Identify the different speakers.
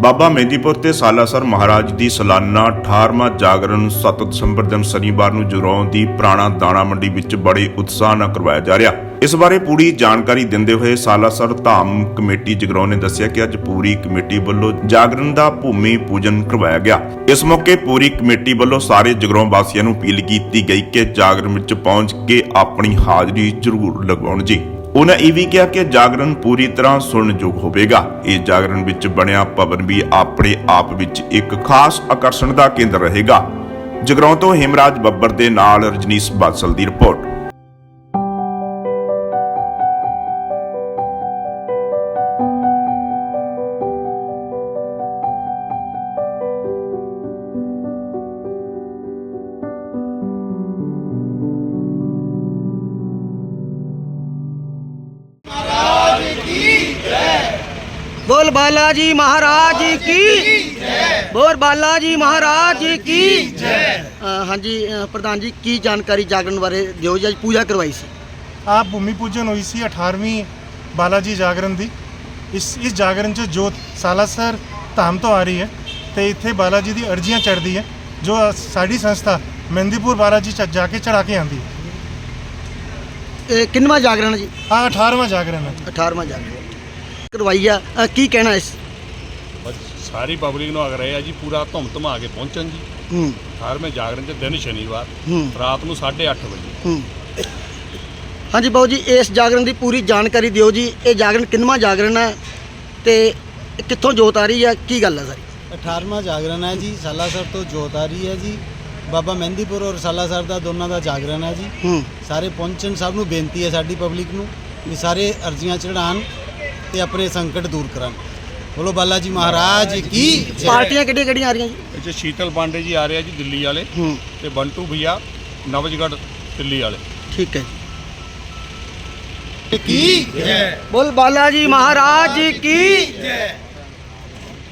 Speaker 1: ਬਾਬਾ ਮਹਿੰਦੀਪੁਰ ਤੇ ਸਾਲਾਸਰ ਮਹਾਰਾਜ ਦੀ ਸਾਲਾਨਾ 18ਵਾਂ ਜਾਗਰਣ 7 ਦਸੰਬਰ ਦਿਨ ਸ਼ਨੀਵਾਰ ਨੂੰ ਜਗਰਾਉਂ ਦੀ ਪੁਰਾਣਾ ਦਾਣਾ ਮੰਡੀ ਵਿੱਚ ਬੜੇ ਉਤਸ਼ਾਹ ਨਾਲ ਕਰਵਾਇਆ ਜਾ ਰਿਹਾ। ਇਸ ਬਾਰੇ ਪੂਰੀ ਜਾਣਕਾਰੀ ਦਿੰਦੇ ਹੋਏ ਸਾਲਾਸਰ ਧਾਮ ਕਮੇਟੀ ਜਗਰਾਉਂ ਨੇ ਦੱਸਿਆ ਕਿ ਅੱਜ ਪੂਰੀ ਕਮੇਟੀ ਵੱਲੋਂ ਜਾਗਰਣ ਦਾ ਭੂਮੀ ਪੂਜਨ ਕਰਵਾਇਆ ਗਿਆ। ਇਸ ਮੌਕੇ ਪੂਰੀ ਕਮੇਟੀ ਵੱਲੋਂ ਸਾਰੇ ਜਗਰਾਉਂ ਵਾਸੀਆਂ ਨੂੰ ਅਪੀਲ ਕੀਤੀ ਗਈ ਕਿ ਜਾਗਰਣ ਵਿੱਚ ਪਹੁੰਚ ਕੇ ਆਪਣੀ ਹਾਜ਼ਰੀ ਜ਼ਰੂਰ ਲਗਵਾਉਣ ਜੀ। ਉਹਨਾਂ ਇਹ ਵੀ ਕਿਹਾ ਕਿ ਜਾਗਰਣ ਪੂਰੀ ਤਰ੍ਹਾਂ ਸੁਣਨਯੋਗ ਹੋਵੇਗਾ। ਇਸ ਜਾਗਰਣ ਵਿੱਚ ਬਣਿਆ ਭਵਨ ਵੀ ਆਪਣੇ ਆਪ ਵਿੱਚ ਇੱਕ ਖਾਸ ਆਕਰਸ਼ਣ ਦਾ ਕੇਂਦਰ ਰਹੇਗਾ। ਜਗਰਾਉਂ ਤੋਂ ਹਿਮਰਾਜ ਬੱਬਰ ਦੇ ਨਾਲ ਰਜਨੀਸ਼ ਬਾਦਲ ਦੀ ਰਿਪੋਰਟ।
Speaker 2: बोल बालाजी महाराज की बोल बालाजी महाराज की हाँ जी प्रधान जी की जानकारी जागरण बारे दिओ जी। आज पूजा करवाई सी
Speaker 3: आप भूमि पूजन हुई सी 18वीं बालाजी जागरण दी। इस जागरण च जोत सालासर धाम तो आ रही है तो इत्थे बालाजी दी अर्जियां चढ़दी है जो साड़ी संस्था मेहंदीपुर बालाजी जाके चढ़ा के आंदी है।
Speaker 2: किन्नवा जागरण जी?
Speaker 3: हाँ 18वां जागरण है।
Speaker 2: 18वां जागरण करवाई है। की कहना इस
Speaker 4: बस सारी पब्लिक ਨੂੰ ਆਗਰਾ ਹੈ ਜੀ ਪੂਰਾ ਧੁੰਮ ਧਮਾ ਕੇ ਪਹੁੰਚਣ ਜੀ। 18ਵੇਂ ਜਾਗਰਣ ਦੇ ਦਿਨ ਸ਼ਨੀਵਾਰ ਰਾਤ ਨੂੰ 8:30 ਵਜੇ।
Speaker 2: हाँ जी बाबू जी इस जागरण की पूरी जानकारी दिओ जी। ये जागरण किन्नवा जागरण है तो कित्थों जोत आ रही है, की गल है सारी?
Speaker 5: 18वां जागरण है जी। सालासर तो जोत आ रही है जी। बाबा ਮਹਿੰਦੀਪੁਰ और सालासर ਦਾ ਦੋਨਾਂ ਦਾ ਜਾਗਰਣ ਹੈ ਜੀ। ਸਾਰੇ ਪਹੁੰਚਣ ਸਭ ਨੂੰ ਬੇਨਤੀ ਹੈ ਸਾਡੀ ਪਬਲਿਕ ਨੂੰ ਵੀ ਸਾਰੇ ਅਰਜ਼ੀਆਂ ਚੜਾਉਣ ਤੇ ਆਪਣੇ ਸੰਕਟ ਦੂਰ ਕਰਨ। ਬੋਲੋ ਬਾਲਾ ਜੀ ਮਹਾਰਾਜ ਕੀ ਜੈ।
Speaker 2: ਪਾਰਟੀਆਂ ਕਿਹੜੀਆਂ ਆ ਰਹੀਆਂ ਜੀ?
Speaker 4: ਇੱਥੇ ਸ਼ੀਤਲ ਪਾਂਡੇ ਜੀ ਆ ਰਹੇ ਆ ਜੀ ਦਿੱਲੀ ਵਾਲੇ ਤੇ ਬੰਟੂ ਭਈਆ ਨਵਜਗੜ ਦਿੱਲੀ ਵਾਲੇ।
Speaker 2: ठीक है की जय। बोल बालाजी महाराज की जय।